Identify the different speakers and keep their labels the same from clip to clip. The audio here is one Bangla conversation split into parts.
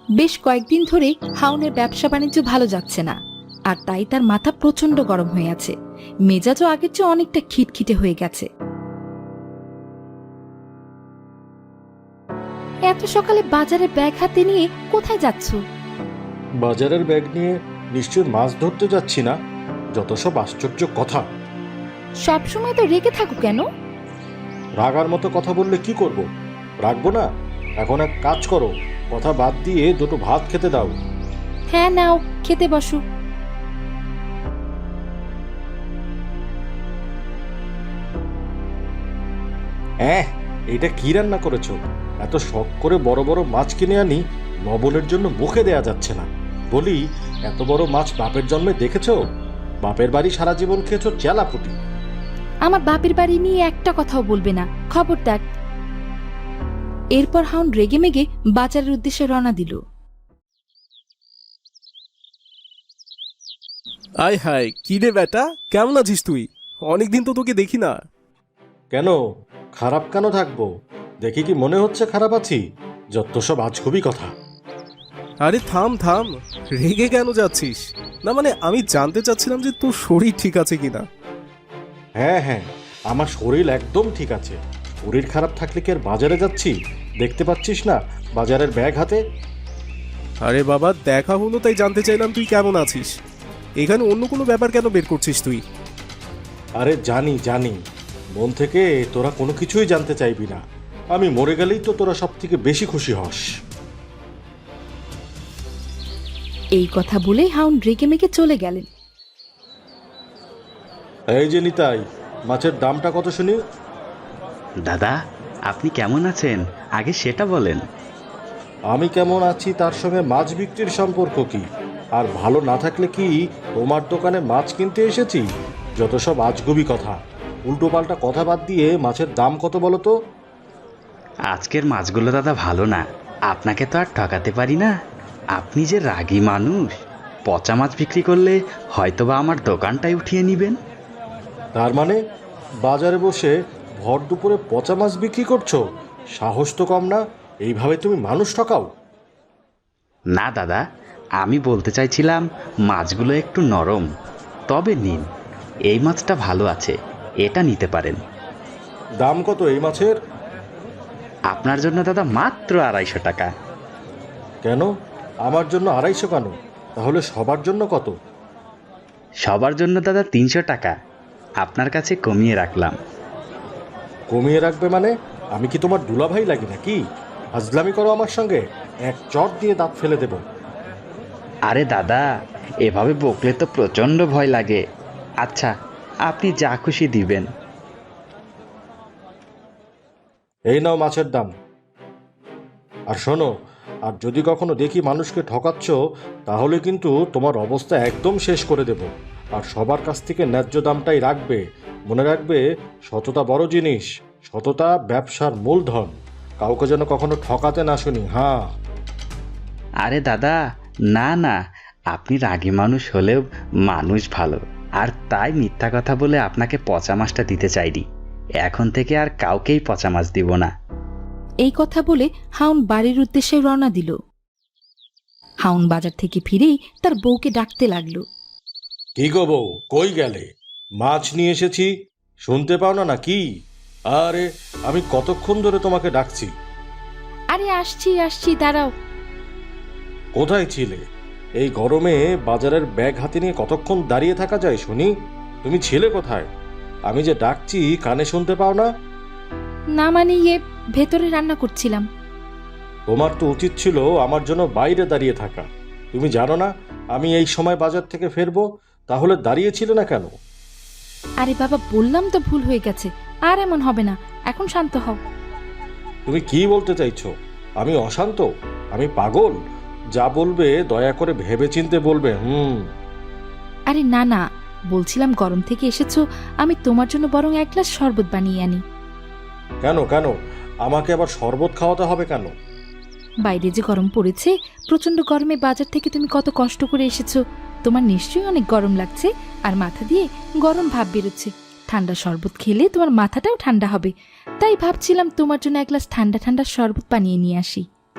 Speaker 1: বেশ কয়েকদিন ধরে হাউনের ব্যবসা বাণিজ্য ভালো যাচ্ছে না, আর তাই তার মাথা প্রচন্ড গরম হয়ে আছে। মেজাজও আগের চেয়ে অনেকটা খিটখিটে হয়ে গেছে। এত সকালে বাজারে ব্যাগ হাতে নিয়ে কোথায় যাচ্ছ?
Speaker 2: বাজারের ব্যাগ নিয়ে নিশ্চয় মাছ ধরতে যাচ্ছি না? যত সব আশ্চর্য কথা।
Speaker 1: সবসময় তো রেগে থাকো কেন?
Speaker 2: রাগার মতো কথা বললে কি করব? রাখবো না? এখন এক কাজ করো, কথা বাদ দিয়ে দুটো ভাত খেতে দাও।
Speaker 1: হ্যাঁ নাও, খেতে বসো।
Speaker 2: এটা কি রান্না করেছো? এত শখ করে বড় বড় মাছ কিনে আনি, লবণের জন্য মুখে দেয়া যাচ্ছে না। বলি, এত বড় মাছ বাপের জন্মে দেখেছো? বাপের বাড়ি সারা জীবন খেয়েছো চেলাপুটি।
Speaker 1: আমার বাপের বাড়ি নিয়ে একটা কথাও বলবে না, খবরদার। এরপর হাউন রেগে মেগে বাজারের উদ্দেশ্যে রওনা দিল।
Speaker 3: আয় হায়, কি রে বেটা, কেমন আছিস তুই? অনেকদিন তো তোকে দেখি না।
Speaker 2: কেন খারাপ কেন থাকবো? দেখি কি মনে হচ্ছে খারাপ আছি? যত সব আজগুবি কথা।
Speaker 3: আরে থাম থাম, রেগে কেন যাচ্ছিস? না মানে আমি জানতে চাচ্ছিলাম যে তোর শরীর ঠিক আছে কিনা।
Speaker 2: হ্যাঁ হ্যাঁ, আমার শরীর একদম ঠিক আছে। শরীর খারাপ থাকলে কি আর বাজারে যাচ্ছি? দেখতে পাচ্ছিস না বাজারের ব্যাগ হাতে?
Speaker 3: আরে বাবা, দেখা হলো তাই জানতে চাইলাম তুই কেমন আছিস। এখানে অন্য কোনো ব্যাপার কেন বের করছিস তুই?
Speaker 2: আরে জানি জানি, মন থেকে তোরা কোনো কিছুই জানতে চাইবি না। আমি মরে গেলেই তো তোরা সব থেকে বেশি খুশি হস।
Speaker 1: এই কথা বলে হাউন রেগে মেগে চলে গেলেন।
Speaker 2: এই যে নিতাই, মাছের দামটা কত শুনি?
Speaker 4: দাদা, আপনি কেমন আছেন আগে সেটা বলেন।
Speaker 2: আমি কেমন আছি তার সঙ্গে মাছ বিক্রির সম্পর্ক কি? আর ভালো না থাকলে কি তোমার দোকানে মাছ কিনতে এসেছি? যত সব আজগুবি কথা। উল্টো পাল্টা কথা বাদ দিয়ে মাছের দাম কত বলো তো?
Speaker 4: আজকের মাছগুলো দাদা ভালো না, আপনাকে তো আর ঠকাতে পারি না। আপনি যে রাগী মানুষ, পচা মাছ বিক্রি করলে হয়তোবা আমার দোকানটাই উঠিয়ে নেবেন।
Speaker 2: তার মানে বাজারে বসে ভর দুপুরে পচা মাছ বিক্রি করছো? সাহস তো কম না, এইভাবে তুমি মানুষ ঠকাও?
Speaker 4: না দাদা, আমি বলতে চাইছিলাম মাছগুলো একটু নরম। তবে নিন, এই মাছটা ভালো আছে, এটা নিতে পারেন।
Speaker 2: দাম কত এই মাছের?
Speaker 4: আপনার জন্য দাদা মাত্র 250 টাকা।
Speaker 2: কেন আমার জন্য 250 কেন? তাহলে সবার জন্য কত?
Speaker 4: সবার জন্য দাদা 300 টাকা, আপনার কাছে কমিয়ে রাখলাম।
Speaker 2: কমিয়ে রাখবে মানে? আমি কি তোমার দুলাভাই লাগি নাকি? ফাজলামি করো আমার সঙ্গে, এক চট দিয়ে দাঁত ফেলে দেব।
Speaker 4: আরে দাদা, এভাবে বকলে তো প্রচণ্ড ভয় লাগে। আচ্ছা, আপনি যা খুশি দিবেন।
Speaker 2: এই নাও মাছের দাম। আর শোনো, আর যদি কখনো দেখি মানুষকে ঠকাচ্ছ, তাহলে কিন্তু তোমার অবস্থা একদম শেষ করে দেব। আর সবার কাছ থেকে ন্যায্য দামটাই রাখবে। মনে রাখবে, সততা বড় জিনিস। সততা ব্যবসার মূলধন। কাউকে যেন কখনো ঠকাতে না শুনি। হ্যাঁ।
Speaker 4: আরে দাদা, না না, আপনি রাগী মানুষ হলেও মানুষ ভালো, আর তাই মিথ্যা কথা বলে আপনাকে পচা মাছটা দিতে চাইনি। এখন থেকে আর কাউকেই পচা মাছ দিব না।
Speaker 1: এই কথা বলে হাউন বাড়ির উদ্দেশ্যে রওনা দিল। হাউন বাজার থেকে ফিরেই তার বউকে ডাকতে লাগলো।
Speaker 2: কি গো বউ, কই গেলে? মাছ নিয়ে এসেছি, শুনতে পাও না নাকি? আরে আমি কতক্ষণ ধরে তোমাকে ডাকছি।
Speaker 1: আরে আসছি আসছি, দাঁড়াও।
Speaker 2: কোথায় ছিলে? এই গরমে বাজারের ব্যাগ হাতে নিয়ে কতক্ষণ দাঁড়িয়ে থাকা যায় শুনি? তুমি ছিলে কোথায়? আমি যে ডাকছি কানে শুনতে পাও না?
Speaker 1: না মানে ভেতরে রান্না করছিলাম।
Speaker 2: তোমার তো উচিত ছিল আমার জন্য বাইরে দাঁড়িয়ে থাকা। তুমি জানো না আমি এই সময় বাজার থেকে ফিরবো? তাহলে দাঁড়িয়েছিলে না কেন?
Speaker 1: আরে বাবা, বললাম তো ভুল হয়ে গেছে, আর এমন হবে না, এখন শান্ত হও।
Speaker 2: তুমি কি বলতে চাইছো? আমি অশান্ত? আমি পাগল? যা বলবে দয়া করে ভেবেচিন্তে বলবে।
Speaker 1: আরে না না, বলছিলাম গরম থেকে এসেছো, আমি তোমার জন্য বরং এক গ্লাস শরবত বানিয়ে আনি।
Speaker 2: কেন কেন? আমাকে আবার শরবত খাওয়াতে হবে কেন?
Speaker 1: বাইরে যে গরম পড়েছে, প্রচন্ড গরমে বাজার থেকে তুমি কত কষ্ট করে এসেছো, তোমার নিশ্চয়ই অনেক গরম লাগছে, আর মাথা দিয়ে গরম ভাব বেরোচ্ছে। ঠান্ডা শরবত খেলে তোমার মাথাটাও ঠান্ডা হবে, তাই ভাবছিলাম তোমার জন্য এক গ্লাস ঠান্ডা ঠান্ডা শরবত বানিয়ে নিয়ে আসি।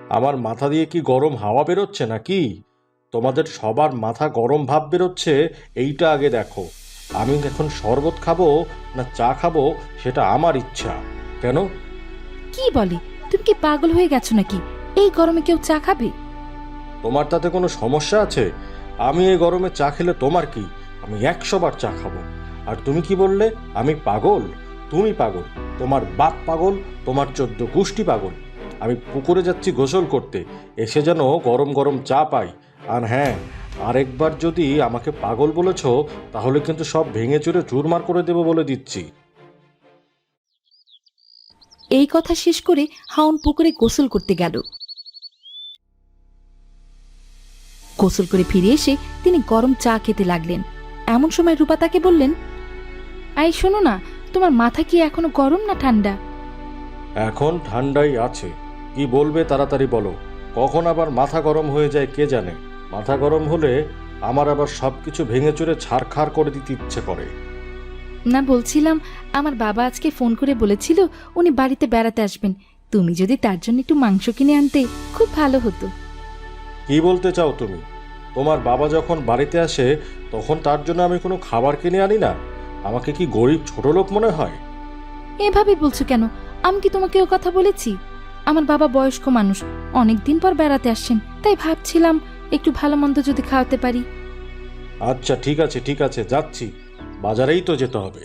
Speaker 2: আমার মাথা দিয়ে কি গরম হাওয়া বেরোচ্ছে নাকি? তোমাদের সবার মাথা গরম ভাব বেরোচ্ছে, এইটা আগে দেখো। আমি এখন শরবত খাবো না চা খাবো সেটা আমার ইচ্ছা। কেন?
Speaker 1: কি বলে, তুমি কি পাগল হয়ে গেছো নাকি? এই গরমে কেউ চা খাবে?
Speaker 2: তোমার তাতে কোনো সমস্যা আছে? আমি এই গরমে চা খেলে তোমার কি? আমি 100 বার চা খাবো। আর তুমি কি বললে আমি পাগল? তুমি পাগল, তোমার বাপ পাগল, তোমার 14 গোষ্ঠী পাগল। আমি পুকুরে যাচ্ছি গোসল করতে, এসে যেন গরম গরম চা পাই। আর হ্যাঁ, আরেকবার যদি আমাকে পাগল বলেছ তাহলে কিন্তু সব ভেঙে চুরে চুরমার করে দেবো বলে দিচ্ছি।
Speaker 1: এই কথা শেষ করে হাউন পুকুরে গোসল করতে গেল। গোসল করে ফিরে এসে তিনি গরম চা খেতে লাগলেন। এমন সময় রূপা তাকে বললেন, আই শোনো না, তোমার মাথা কি এখনো গরম না ঠান্ডা?
Speaker 2: এখন ঠান্ডাই আছে। কি বলবে তাড়াতাড়ি বলো। কখন আবার মাথা গরম হয়ে যায় কে জানে। মাথা গরম হলে আমার আবার সব কিছু ভেঙে চুরে ছাড়খাড় করে দিতে ইচ্ছে করে।
Speaker 1: না, বলছিলাম আমার বাবা আজকে ফোন করে বলেছিল উনি বাড়িতে বেড়াতে আসবেন। তুমি যদি তার জন্য একটু মাংস কিনে আনতে খুব ভালো হতো।
Speaker 2: কি বলতে চাও তুমি? তোমার বাবা যখন বাড়িতে আসে তখন তার জন্য আমি কোনো খাবার কিনে আনি না? আমাকে কি গরিব ছোট লোক মনে হয়?
Speaker 1: এভাবে বলছো কেন? আমি কি তোমাকে ও কথা বলেছি? আমার বাবা বয়স্ক মানুষ, অনেকদিন পর বেড়াতে আসছেন, তাই ভাবছিলাম একটু ভালো মন্দ যদি খাওয়াতে পারি।
Speaker 2: আচ্ছা ঠিক আছে ঠিক আছে, যাচ্ছি। বাজারেই তো যেতে হবে।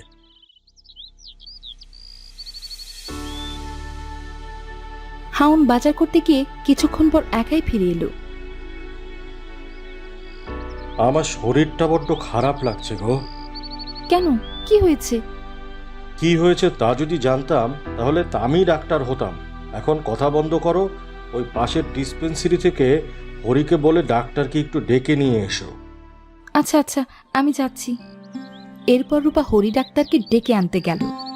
Speaker 1: হাউন বাজার করতে গিয়ে কিছুক্ষণ পর একাই ফিরে এলো।
Speaker 2: আমার শরীরটা বড্ড খারাপ লাগছে গো।
Speaker 1: কেন, কি হয়েছে?
Speaker 2: কি হয়েছে তা যদি জানতাম তাহলে তা আমি ডাক্তার হতাম। এখন কথা বন্ধ করো। ওই পাশের ডিসপেন্সারি থেকে হরিকে বলে ডাক্তারকে একটু ডেকে নিয়ে এসো।
Speaker 1: আচ্ছা আচ্ছা, আমি যাচ্ছি। এরপর রূপা হরি ডাক্তারকে ডেকে আনতে গেল।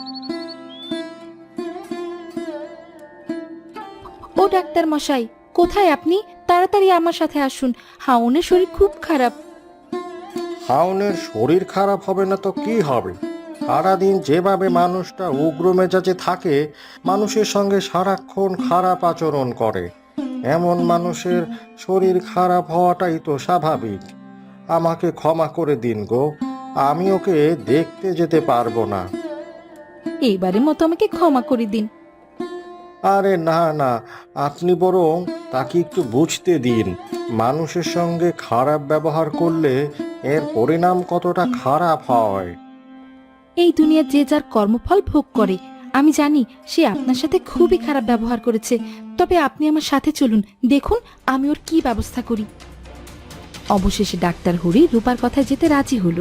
Speaker 1: ও ডাক্তার মশাই, কোথায় আপনি? তাড়াতাড়ি আমার সাথে আসুন, হাউনের শরীর খুব খারাপ।
Speaker 2: হাউনের শরীর খারাপ হবে না তো কি হবে? সারাদিন যেভাবে মানুষটা উগ্র মেজাজে থাকে, মানুষের সঙ্গে সারাক্ষণ খারাপ আচরণ করে, এমন মানুষের শরীর খারাপ হওয়াটাই তো স্বাভাবিক। আমাকে ক্ষমা করে দিন গো, আমি ওকে দেখতে যেতে পারবো না।
Speaker 1: এইবারের মতো আমাকে ক্ষমা করে দিন।
Speaker 2: আরে না না, আপনি বরং তাকে একটু বুঝতে দিন, মানুষের সঙ্গে খারাপ ব্যবহার করলে এর পরিণাম কতটা খারাপ হয়।
Speaker 1: এই দুনিয়া যে যার কর্মফল ভোগ করে। আমি জানি সে আপনার সাথে খুবই খারাপ ব্যবহার করেছে, তবে আপনি আমার সাথে চলুন, দেখুন আমি ওর কি ব্যবস্থা করি। অবশেষে ডাক্তার হরি রূপার কথায় যেতে রাজি হলো।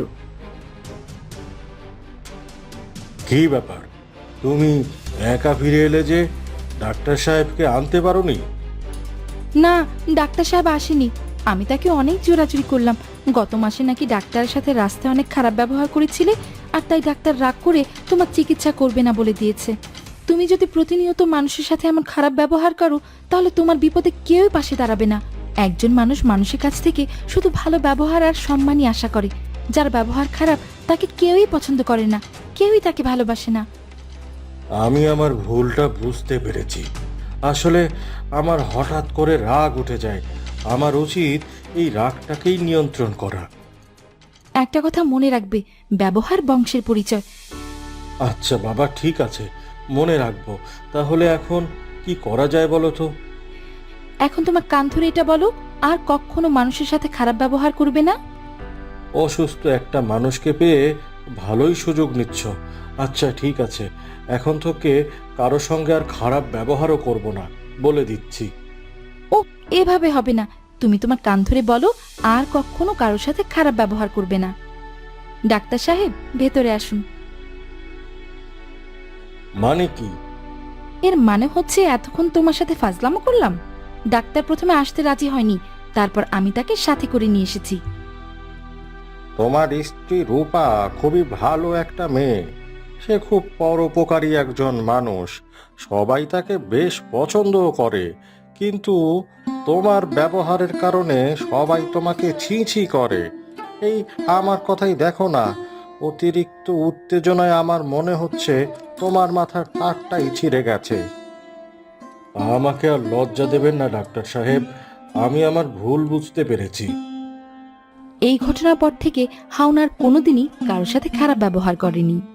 Speaker 2: কি ব্যাপার, তুমি একা ফিরে এলে যে? ডাক্তার সাহেবকে আনতে পারোনি?
Speaker 1: না, ডাক্তার সাহেব আসেনি। আমি তাকে অনেক জোরাজুরি করলাম। গত মাসে নাকি ডাক্তারের সাথে রাস্তায় অনেক খারাপ ব্যবহার করেছিলে, আর তাই ডাক্তার রাগ করে তোমার চিকিৎসা করবে না বলে দিয়েছে। তুমি যদি প্রতিনিয়ত মানুষের সাথে এমন খারাপ ব্যবহার করো তাহলে তোমার বিপদে কেউই পাশে দাঁড়াবে না। একজন মানুষ মানুষের কাছ থেকে শুধু ভালো ব্যবহার আর সম্মানই আশা করে। যার ব্যবহার খারাপ তাকে কেউই পছন্দ করে না, কেউই তাকে ভালোবাসে না।
Speaker 2: আমি আমার ভুলটা বুঝতে পেরেছি। আসলে আমার হঠাৎ করে রাগ উঠে যায়। আমার উচিত এই রাগটাকেই নিয়ন্ত্রণ করা।
Speaker 1: একটা কথা মনে রাখবে, ব্যবহার বংশের পরিচয়।
Speaker 2: আচ্ছা বাবা, ঠিক আছে, মনে রাখবো। তাহলে এখন কি করা যায় বলো তো?
Speaker 1: এখন তোমার কান ধরে এটা বলো, আর কখনো মানুষের সাথে খারাপ ব্যবহার করবে না।
Speaker 2: অসুস্থ একটা মানুষকে পেয়ে ভালোই সুযোগ নিচ্ছ। আচ্ছা ঠিক আছে, এখন থেকে কারো সঙ্গে আর খারাপ ব্যবহারও করব না, বলে দিচ্ছি।
Speaker 1: ও, এভাবে হবে না। তুমি তোমার কান ধরে বলো, আর কখনো কারোর সাথে খারাপ ব্যবহার করবে না। ডাক্তার সাহেব, ভেতরে আসুন।
Speaker 2: মানে কি?
Speaker 1: এর মানে হচ্ছে এতক্ষণ তোমার সাথে ফাজলামো করলাম। ডাক্তার প্রথমে আসতে রাজি হয়নি, তারপর আমি তাকে সাথে করে নিয়ে এসেছি।
Speaker 2: তোমার স্ত্রী রূপা খুবই ভালো একটা মেয়ে। সে খুব পরোপকারী একজন মানুষ। সবাই তাকে বেশ পছন্দও করে। কিন্তু তোমার ব্যবহারের কারণে সবাই তোমাকে ছি ছি করে। এই আমার কথাই দেখো না, অতিরিক্ত উত্তেজনায় আমার মনে হচ্ছে তোমার মাথার তারটাই ছিঁড়ে গেছে। আমাকে আর লজ্জা দেবেন না ডাক্তার সাহেব, আমি আমার ভুল বুঝতে পেরেছি।
Speaker 1: এই ঘটনার পর থেকে হাওনা আর কোনোদিনই কারোর সাথে খারাপ ব্যবহার করেনি।